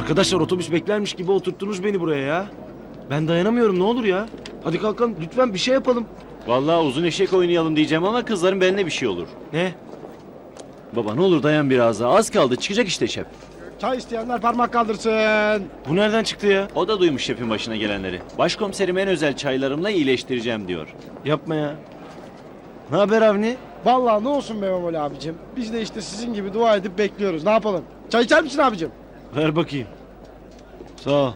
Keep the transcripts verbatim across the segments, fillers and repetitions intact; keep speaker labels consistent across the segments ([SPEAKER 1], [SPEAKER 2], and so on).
[SPEAKER 1] Arkadaşlar otobüs beklermiş gibi oturttunuz beni buraya ya. Ben dayanamıyorum, ne olur ya. Hadi kalkalım lütfen, bir şey yapalım.
[SPEAKER 2] Vallahi uzun eşek oynayalım diyeceğim ama kızların beline bir şey olur.
[SPEAKER 1] Ne?
[SPEAKER 2] Baba ne olur dayan biraz daha. Az kaldı çıkacak işte şef.
[SPEAKER 3] Çay isteyenler parmak kaldırsın.
[SPEAKER 1] Bu nereden çıktı ya?
[SPEAKER 2] O da duymuş şefin başına gelenleri. Başkomiserim en özel çaylarımla iyileştireceğim diyor.
[SPEAKER 1] Yapma ya. Ne haber Avni?
[SPEAKER 3] Vallahi ne olsun be Memoli abicim. Biz de işte sizin gibi dua edip bekliyoruz. Ne yapalım? Çay içer misin abicim?
[SPEAKER 1] Ver bakayım. Sağ ol.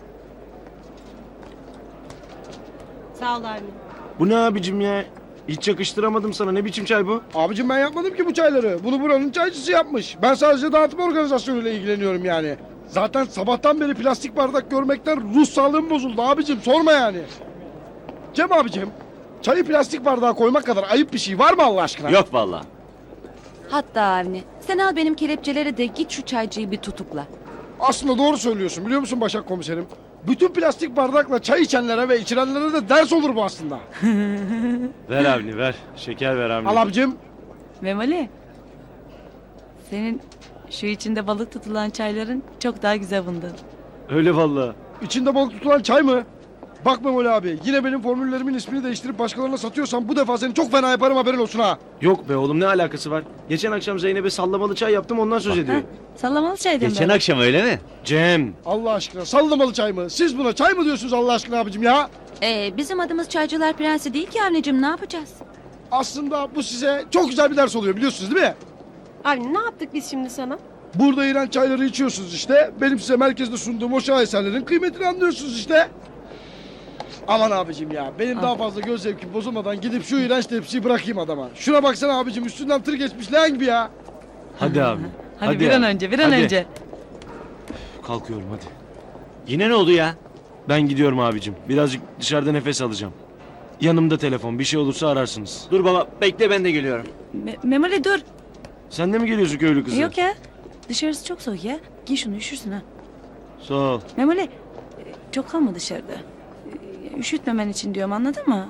[SPEAKER 4] Sağ ol abi.
[SPEAKER 1] Bu ne abicim ya? Hiç yakıştıramadım sana. Ne biçim çay bu?
[SPEAKER 3] Abicim ben yapmadım ki bu çayları. Bunu buranın çaycısı yapmış. Ben sadece dağıtım organizasyonuyla ilgileniyorum yani. Zaten sabahtan beri plastik bardak görmekten ruh sağlığım bozuldu abicim. Sorma yani. Cem abicim, çayı plastik bardağa koymak kadar ayıp bir şey var mı Allah aşkına?
[SPEAKER 2] Yok vallahi.
[SPEAKER 5] Hatta Avni, sen al benim kelepçeleri de git şu çaycıyı bir tutukla.
[SPEAKER 3] Aslında doğru söylüyorsun biliyor musun Başak komiserim? Bütün plastik bardakla çay içenlere ve içirenlere de ders olur bu aslında.
[SPEAKER 1] Ver Avni ver. Şeker ver Avni.
[SPEAKER 3] Al abicim.
[SPEAKER 5] Memoli, senin şu içinde balık tutulan çayların çok daha güzel bundan.
[SPEAKER 1] Öyle vallahi.
[SPEAKER 3] İçinde balık tutulan çay mı? Bak Memoli abi, yine benim formüllerimin ismini değiştirip başkalarına satıyorsan bu defa seni çok fena yaparım, haberin olsun ha.
[SPEAKER 1] Yok be oğlum, ne alakası var? Geçen akşam Zeynep'e sallamalı çay yaptım, ondan söz ediyor.
[SPEAKER 5] Ha, sallamalı çaydan
[SPEAKER 2] Geçen
[SPEAKER 5] böyle.
[SPEAKER 2] akşam öyle mi?
[SPEAKER 1] Cem.
[SPEAKER 3] Allah aşkına sallamalı çay mı? Siz buna çay mı diyorsunuz Allah aşkına abicim ya?
[SPEAKER 5] Ee, bizim adımız Çaycılar Prensi değil ki Avni'cim, ne yapacağız?
[SPEAKER 3] Aslında bu size çok güzel bir ders oluyor biliyorsunuz değil mi?
[SPEAKER 4] Abi ne yaptık biz şimdi sana?
[SPEAKER 3] Burada iğrenç çayları içiyorsunuz işte. Benim size merkezde sunduğum o şaheserlerin kıymetini anlıyorsunuz işte. Aman abicim ya, benim daha fazla göz zevkim bozulmadan gidip şu iğrenç tepsiyi bırakayım adama. Şuna baksana abicim, üstünden tır geçmiş leğen gibi ya.
[SPEAKER 1] Hadi abi.
[SPEAKER 5] Hadi, bir an
[SPEAKER 1] abi.
[SPEAKER 5] önce, bir an
[SPEAKER 1] Hadi.
[SPEAKER 5] önce.
[SPEAKER 1] Kalkıyorum hadi.
[SPEAKER 2] Yine ne oldu ya?
[SPEAKER 1] Ben gidiyorum abicim. Birazcık dışarıda nefes alacağım. Yanımda telefon. Bir şey olursa ararsınız.
[SPEAKER 2] Dur baba bekle ben de geliyorum.
[SPEAKER 5] Me- Memoli dur.
[SPEAKER 1] Sen de mi geliyorsun köylü kızı?
[SPEAKER 5] Yok ya, dışarısı çok soğuk ya. Giy şunu, üşürsün ha.
[SPEAKER 1] Sağ ol.
[SPEAKER 5] Memoli, e, çok kalma dışarıda. E, Üşütmemen için diyorum, anladın mı?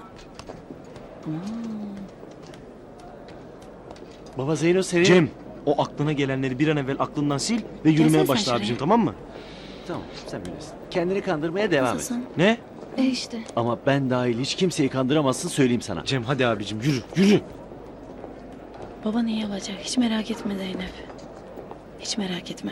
[SPEAKER 2] Baba Zeyno senin...
[SPEAKER 1] Cem, o aklına gelenleri bir an evvel aklından sil ve yürümeye
[SPEAKER 5] Gelsene sen
[SPEAKER 1] başla
[SPEAKER 5] şuraya.
[SPEAKER 1] abicim, tamam mı?
[SPEAKER 2] Tamam sen bilirsin. Kendini kandırmaya devam et.
[SPEAKER 5] Nasılsın?
[SPEAKER 1] Ne?
[SPEAKER 5] E işte.
[SPEAKER 2] Ama ben dahil hiç kimseyi kandıramazsın söyleyeyim sana.
[SPEAKER 1] Cem hadi abicim yürü, yürü.
[SPEAKER 5] Baban iyi olacak, hiç merak etme Zeynep. Hiç merak etme.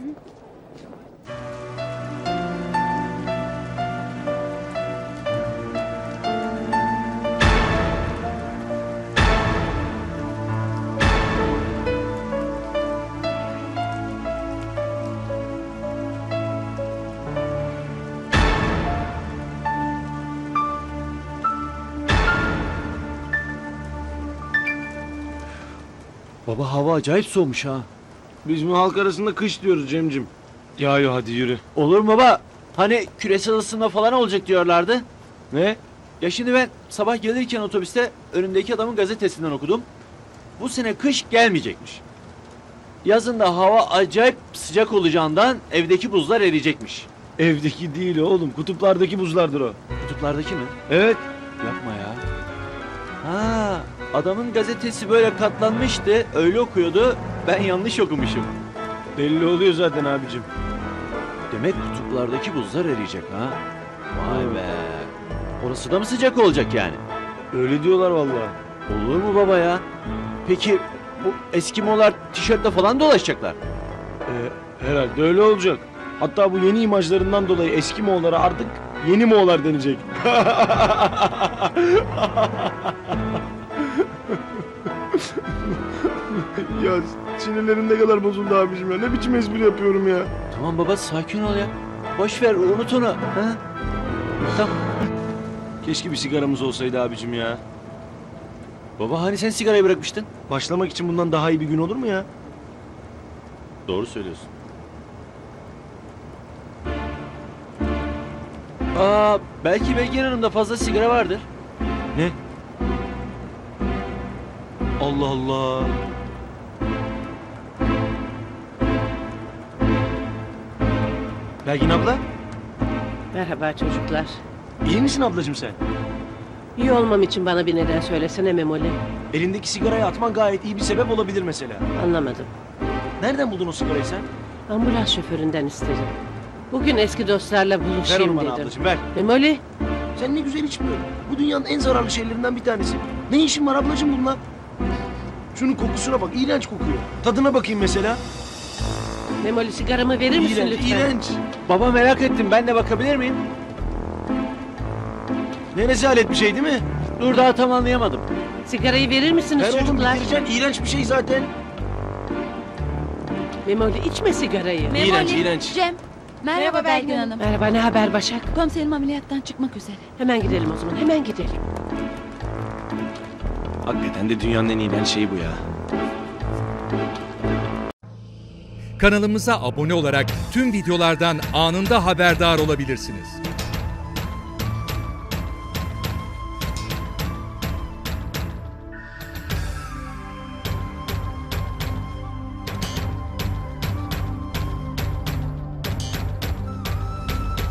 [SPEAKER 2] Baba hava acayip soğumuş ha.
[SPEAKER 1] Biz bu halk arasında kış diyoruz Cemcim. Yağıyor, hadi yürü.
[SPEAKER 2] Olur mu baba? Hani küresel ısınma falan olacak diyorlardı.
[SPEAKER 1] Ne?
[SPEAKER 2] Ya şimdi ben sabah gelirken otobüste önümdeki adamın gazetesinden okudum. Bu sene kış gelmeyecekmiş. Yazın da hava acayip sıcak olacağından evdeki buzlar eriyecekmiş.
[SPEAKER 1] Evdeki değil oğlum, kutuplardaki buzlardır o.
[SPEAKER 2] Kutuplardaki mi?
[SPEAKER 1] Evet.
[SPEAKER 2] Yapma ya. Ha, adamın gazetesi böyle katlanmıştı, öyle okuyordu. Ben yanlış okumuşum.
[SPEAKER 1] Belli oluyor zaten abicim.
[SPEAKER 2] Demek kutuplardaki buzlar eriyecek ha. Vay be. Orası da mı sıcak olacak yani?
[SPEAKER 1] Öyle diyorlar vallahi.
[SPEAKER 2] Olur mu baba ya? Peki bu Eskimolar tişörtle falan dolaşacaklar.
[SPEAKER 1] Ee, herhalde öyle olacak. Hatta bu yeni imajlarından dolayı eski Moğollara artık yeni Moğollar denecek. Ya sinirlerim ne kadar bozuldu abicim ya. Ne biçim espri yapıyorum ya.
[SPEAKER 2] Tamam baba sakin ol ya. Boş ver unut onu. Ha? Tamam.
[SPEAKER 1] Keşke bir sigaramız olsaydı abicim ya.
[SPEAKER 2] Baba hani sen sigarayı bırakmıştın?
[SPEAKER 1] Başlamak için bundan daha iyi bir gün olur mu ya?
[SPEAKER 2] Doğru söylüyorsun. Aa, belki Belgin Hanım'da fazla sigara vardır.
[SPEAKER 1] Ne? Allah Allah. Belgin abla,
[SPEAKER 6] Merhaba çocuklar.
[SPEAKER 1] iyi misin ablacığım sen?
[SPEAKER 6] İyi olmam için bana bir neden söylesene Memoli.
[SPEAKER 1] Elindeki sigarayı atman gayet iyi bir sebep olabilir mesela.
[SPEAKER 6] Anlamadım.
[SPEAKER 1] Nereden buldun o sigarayı sen?
[SPEAKER 6] Ambulans şoföründen istedim. Bugün eski dostlarla
[SPEAKER 2] Ver onu
[SPEAKER 6] buluşayım
[SPEAKER 2] bana
[SPEAKER 6] dedim.
[SPEAKER 2] ablacığım ver.
[SPEAKER 6] Memoli,
[SPEAKER 1] Sen ne güzel içmiyorsun. Bu dünyanın en zararlı şeylerinden bir tanesi. Ne işin var ablacığım bununla? Şunun kokusuna bak, iğrenç kokuyor. Tadına bakayım mesela.
[SPEAKER 6] Memoli sigaramı verir misin
[SPEAKER 1] İğrenç,
[SPEAKER 6] lütfen?
[SPEAKER 1] iğrenç.
[SPEAKER 2] Baba merak ettim, ben de bakabilir miyim?
[SPEAKER 1] Ne rezalet bir şey değil mi?
[SPEAKER 2] Dur daha tam anlayamadım.
[SPEAKER 6] Sigarayı verir misiniz
[SPEAKER 1] Ver oğlum,
[SPEAKER 6] çocuklar?
[SPEAKER 1] bitireceksin. İğrenç bir şey zaten.
[SPEAKER 6] Memoli içme sigarayı.
[SPEAKER 1] İğrenç, iğrenç.
[SPEAKER 5] Cem. Merhaba,
[SPEAKER 4] Merhaba
[SPEAKER 5] Belgin
[SPEAKER 4] Belgin
[SPEAKER 5] Hanım.
[SPEAKER 6] Merhaba, ne haber Başak?
[SPEAKER 5] Komiserim ameliyattan çıkmak üzere.
[SPEAKER 6] Hemen gidelim o zaman, hemen gidelim.
[SPEAKER 1] Hakikaten de dünyanın en iğrenç şeyi bu ya.
[SPEAKER 7] Kanalımıza abone olarak tüm videolardan anında haberdar olabilirsiniz.